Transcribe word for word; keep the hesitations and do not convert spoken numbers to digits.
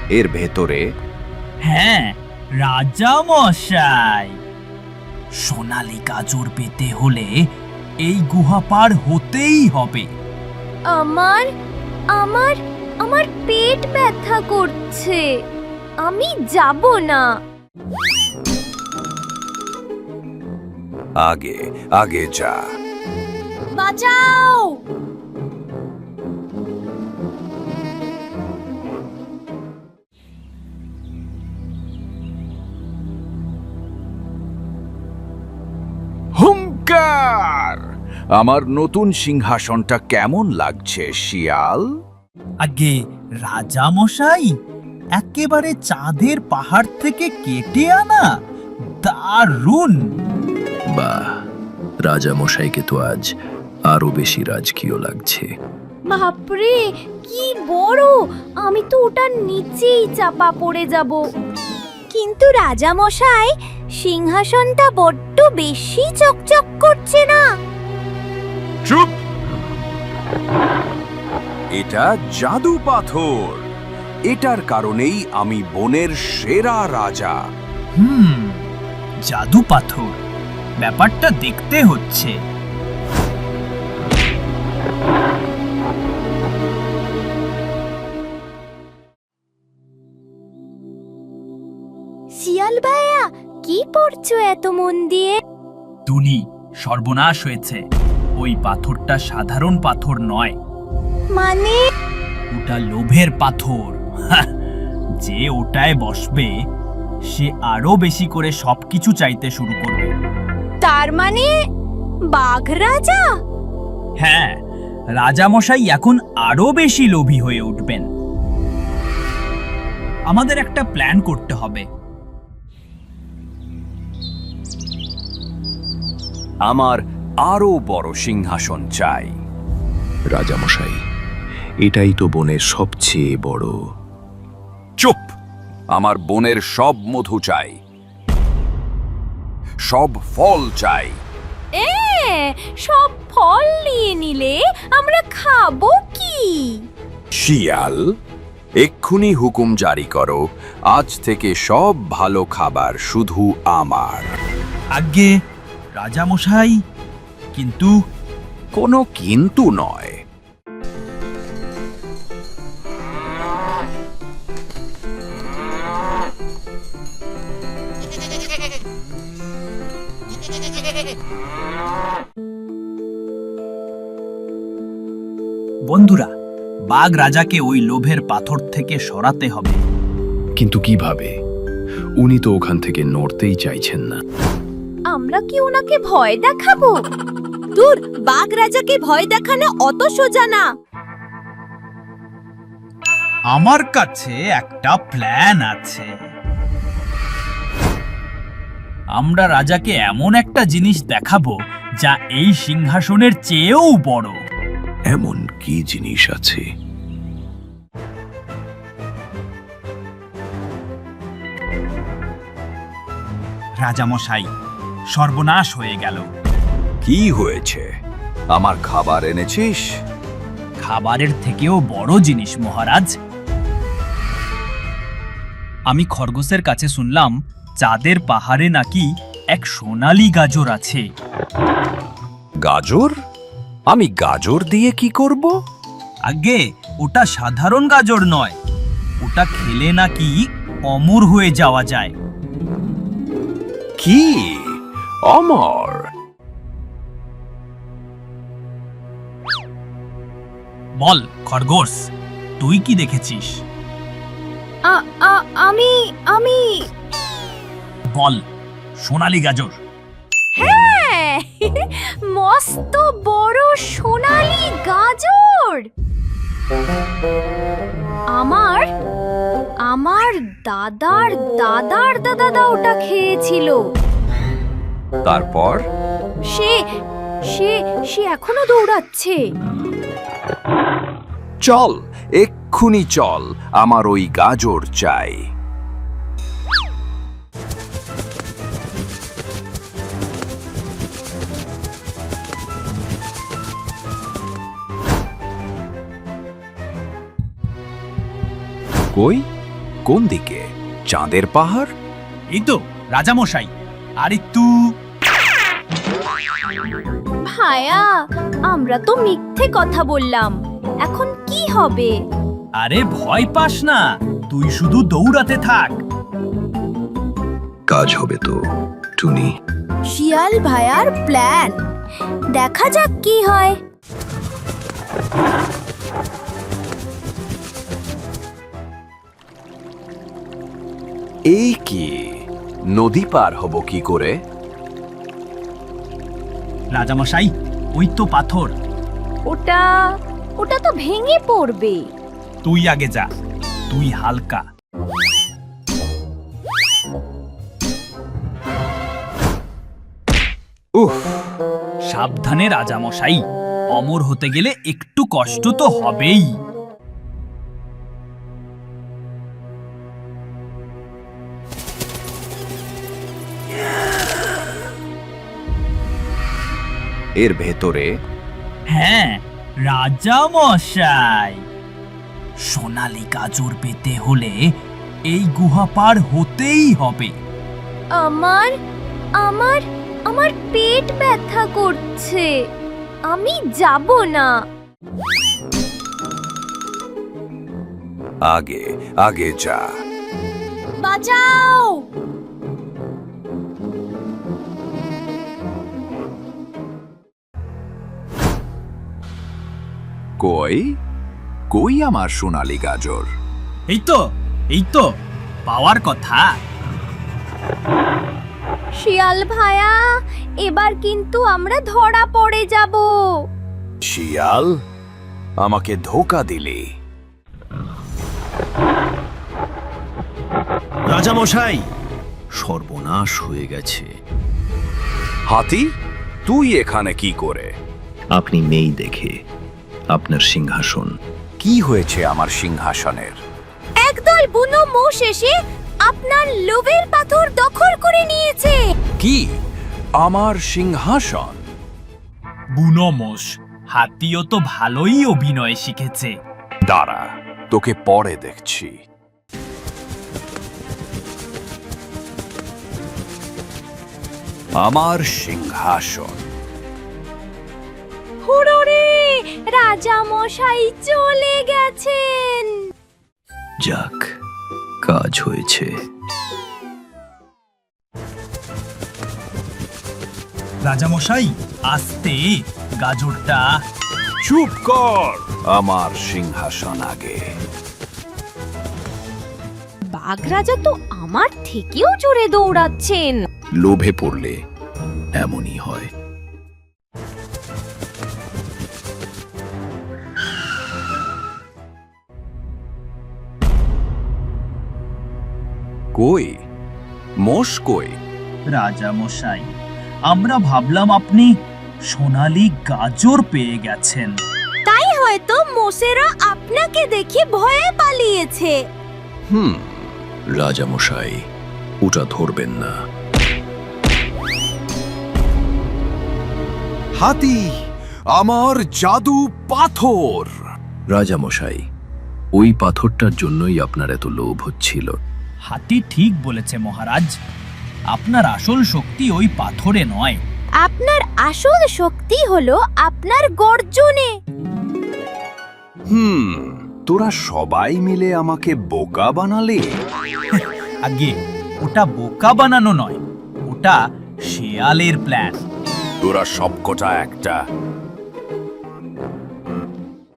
এর ভেতরে? হ্যাঁ রাজা মশাই, সোনালী গাজর পেতে হলে এই গুহা পার হতেই হবে। আমার আমার আমার পেট ব্যথা করছে, আমি যাব না। আগে আগে যা। বাঁচাও! হুঙ্কার! আমার নতুন সিংহাসনটা কেমন লাগছে শিয়াল? আগে রাজা মশাই, একেবারে চাঁদের পাহাড় থেকে কেটে আনা, দারুণ। বাহ, রাজা মশাইকে তো আজ আরো বেশি রাজকীয় লাগছে। বাপরে কি বড়! আমি তো ওটার নিচেই চাপা পড়ে যাব। কিন্তু রাজা মশাই, সিংহাসনটা বড্ড বেশি চকচক করছে না? চুপ! এটা জাদু পাথর। এটার কারণেই আমি বনের সেরা রাজা। হুম, জাদু পাথর, ব্যাপারটা দেখতে হচ্ছে। শিয়াল ভাইয়া, কি পড়ছো এত মন দিয়ে? টুনি, সর্বনাশ হয়েছে। ওই পাথরটা সাধারণ পাথর নয়, মানে? ওটা লোভের পাথর। হাহ, যে ওটায় বসবে সে আরো বেশি করে সবকিছু চাইতে শুরু করবে। তার মানে বাঘ রাজা? হ্যাঁ, রাজামশাই এখন আরো বেশি লোভী হয়ে উঠবেন। আমাদের একটা প্ল্যান করতে হবে। আমার আরো বড় সিংহাসন চাই। রাজামশাই, এটাই তো বনের সবচেয়ে বড়। চুপ! আমার বনের সব মধু চাই, সব ফল চাই। এ, সব ফল নিয়ে নিলে আমরা খাবো কি? শিয়াল, এক্ষুনি হুকুম জারি করো, আজ থেকে সব ভালো খাবার শুধু আমার। আগে রাজামশাই, কিন্তু কোনো কিন্তু নয়। বন্ধুরা, বাঘ রাজাকে ওই লোভের পাথর থেকে সরাতে হবে। কিন্তু কিভাবে? উনি তো ওখান থেকে নড়তেই চাইছেন না। আমরা কি ওনাকে ভয় দেখাবো? দূর, বাঘ রাজাকে ভয় দেখানো অত সোজা না। আমার কাছে একটা প্ল্যান আছে। আমরা রাজাকে এমন একটা জিনিস দেখাবো যা এই সিংহাসনের চেয়েও বড়। এমন কি জিনিস আছে? রাজামশাই, সর্বনাশ হয়ে গেল। কি হয়েছে? আমার খাবার এনেছিস? খাবারের থেকেও বড় জিনিস মহারাজ। আমি খরগোশের কাছে শুনলাম চাঁদের পাহাড়ে নাকি এক সোনালী গাজর আছে। গাজর? আমি গাজর দিয়ে কি করব? আগে ওটা সাধারণ গাজর নয়, ওটা খেলে নাকি অমর হয়ে যাওয়া যায়। কি অমর? বল খরগোশ, তুই কি দেখেছিস? আ- আ- আমি আমি বল, সোনালী গাজর। হ্যাঁ, মস্ত বড় সোনালী গাজর। আমার আমার দাদার দাদার দাদা ওটা খেয়েছিল। তারপর? সে সে সে এখনো দৌড়াচ্ছে। চল, এক্ষুনি চল, আমার ওই গাজর চাই। কই কোন দিকে? চাঁদের পাহাড়? এই তো রাজামশাই, আর একটু। ভায়া, আমরা তো মিথ্যে কথা বললাম, এখন কি হবে? আরে ভয় পাস না, তুই শুধু দৌড়াতে থাক। কাজ হবে তো টুনি। শিয়াল ভায়ার প্ল্যান, দেখা যাক কি হয়। এই কি, নদী পার হব কি করে? রাজামশাই, ওই তো পাথর। ওটা ওটা তো ভেঙে পড়বে। তুই আগে যা, তুই হালকা। উফ, সাবধানে রাজামশাই, অমর হতে গেলে একটু কষ্ট তো হবেই। এর ভেতরে? হ্যাঁ রাজামশাই, সোনালী গাজর পেতে হলে এই গুহা পার হতেই হবে। আমার আমার আমার পেট ব্যথা করছে, আমি যাব না। আগে আগে যা। বাঁচাও! কই কই আমার সোনালী গাজর? এই তো, এই তো পাওয়ার কথা। শিয়াল ভায়া, এবার কিন্তু আমরা ধরা পড়ে যাব। শিয়াল, আমাকে ধোকা দিলি। রাজামশাই, সর্বনাশ হয়ে গেছে। হাতি, তুই এখানে কি করে? আপনি নেই দেখে আপনার সিংহাসন। কি হয়েছে আমার সিংহাসনের? একদল বুনো মোষ এসে আপনার লোভের পাথর দখল করে নিয়েছে। কি, আমার সিংহাসন? বুনোমোষ, হাতিও তো ভালোই অভিনয় শিখেছে। দাঁড়া, তোকে পরে দেখছি। আমার সিংহাসন। হুররে, রাজা মশাই চলে গেছেন। যাক, কাজ হয়েছে। রাজামশাই, আস্তে, গাজরটা। চুপ কর, আমার সিংহাসন আগে। বাঘ রাজা তো আমার থেকেও জোরে দৌড়াচ্ছেন। লোভে পড়লে এমনই হয়। কই মোষ কই? রাজামশাই, আমরা ভাবলাম আপনি সোনালী গাজর পেয়ে গেছেন। তাই হয়তো মোষেরা আপনাকে দেখে ভয়ে পালিয়েছে। হুম, রাজামশাই, ওটা ধরবেন না। হাতি, আমার জাদু পাথর। রাজামশাই, ওই পাথরটার জন্যই আপনার এত লোভ হচ্ছিল। হাতি ঠিক বলেছে মহারাজ, আপনার আসল শক্তি ওই পাথরে নয়। আপনার আসল শক্তি হলো আপনার গর্জনে। হুম, তোরা সবাই মিলে আমাকে বোকা বানালে। আগে ওটা বোকা বানানো নয়, ওটা শেয়ালের প্ল্যান। তোরা সবকটা একটা